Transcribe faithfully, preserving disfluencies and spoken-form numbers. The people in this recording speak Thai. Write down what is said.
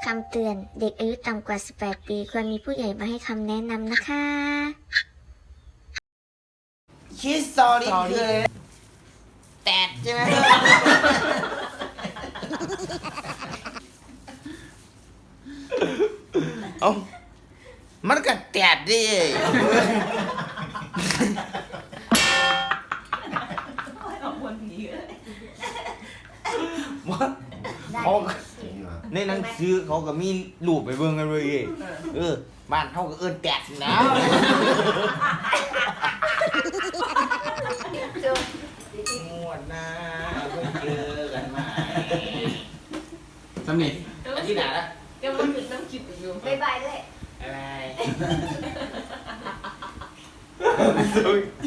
คำเตือนเด็กอายุต่ำกว่าสิบแปดปีควรมีผู้ใหญ่มาให้คำแนะนำนะคะคิดสอรี่คืออะไรแตดใช่ไหมเอ้ามันก็แตดดิเขาในหนังสือเขาก็มีรูปไปเบิ่งกันเลยเออบ้านเขาก็เอิ้นแตดนะงวดหน้าเพิ่งเจอกันใหม่สำเร็จอาทิตย์หน้าละก็มันคือน้ำคิดอยู่บายบายเลยอะไร